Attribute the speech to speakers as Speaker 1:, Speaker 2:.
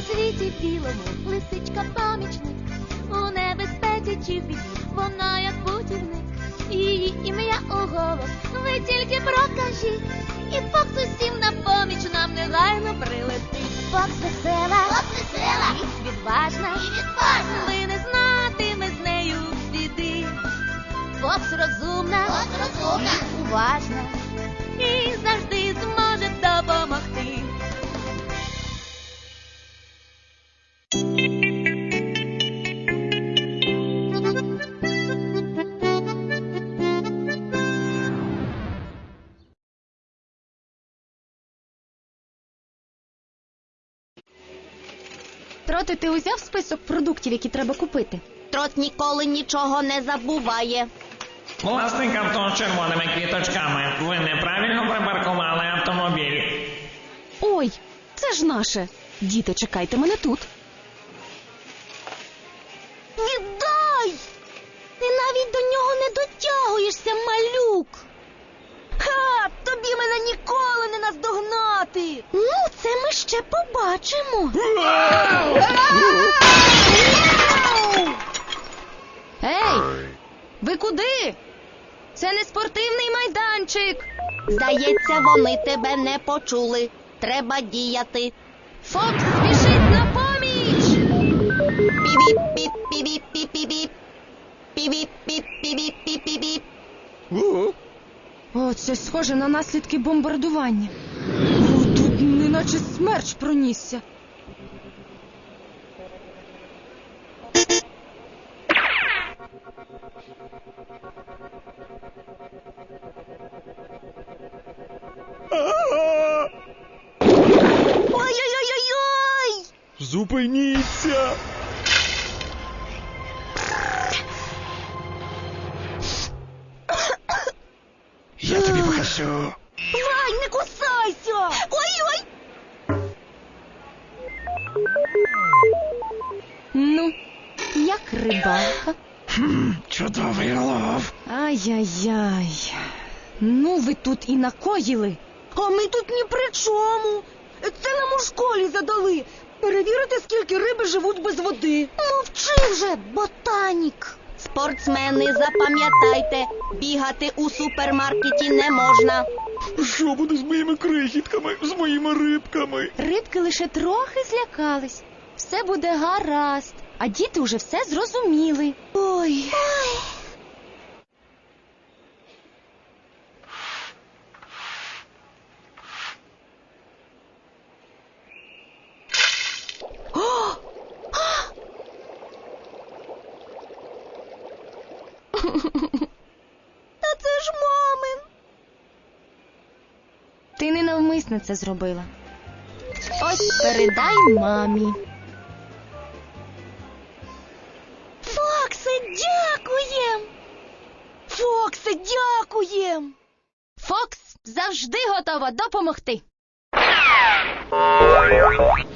Speaker 1: На світі білому лисичка помічник, у небезпеці чи в біді вона як путівник. Її ім'я у голос ви тільки прокажіть, і Фокс усім на поміч нам негайно прилетить. Фокс весела, і відважна, ви не знатиме з нею біди. Фокс розумна, і уважна, і завжди зможе допомогти.
Speaker 2: Троти, ти узяв список продуктів, які треба купити?
Speaker 3: Трот ніколи нічого не забуває.
Speaker 4: Власник авто з червоними квіточками. Ви неправильно припаркували автомобіль.
Speaker 2: Ой, це ж наше. Діти, чекайте мене тут.
Speaker 3: Віддай! Ти навіть до нього не дотягуєшся, малюк. Ха! Тобі мене ніколи не наздогнати. Ну, це ми ще побачимо.
Speaker 2: Ей, ви куди? Це не спортивний майданчик.
Speaker 3: Здається, вони тебе не почули. Треба діяти.
Speaker 2: Фокс спішить на поміч.
Speaker 3: Пі-біп-піп-пі-біп-піп-піп. Пі-біп-піп-піп-піп-піп.
Speaker 2: О, це схоже на наслідки бомбардування. О, тут неначе смерч пронісся.
Speaker 3: Ой-ой-ой-ой-ой!
Speaker 5: Зупиніться! Я тобі покажу.
Speaker 3: Вай, не кусайся! Ой-ой!
Speaker 2: Ну, як рибалка?
Speaker 5: Чудовий лов.
Speaker 2: Ай-яй-яй. Ну, ви тут і накоїли.
Speaker 3: А ми тут ні при чому. Це нам у школі задали. Перевірити, скільки риби живуть без води. Мовчи вже, ботанік. Спортсмени, запам'ятайте, бігати у супермаркеті не можна.
Speaker 5: Що буде з моїми крихітками, з моїми рибками?
Speaker 2: Рибки лише трохи злякались. Все буде гаразд. А діти уже все зрозуміли.
Speaker 3: Ой. Та це ж мамин.
Speaker 2: Ти ненавмисно це зробила. Ось передай мамі.
Speaker 3: Фоксе, дякуєм! Фоксе, дякуєм!
Speaker 2: Фокс завжди готова допомогти.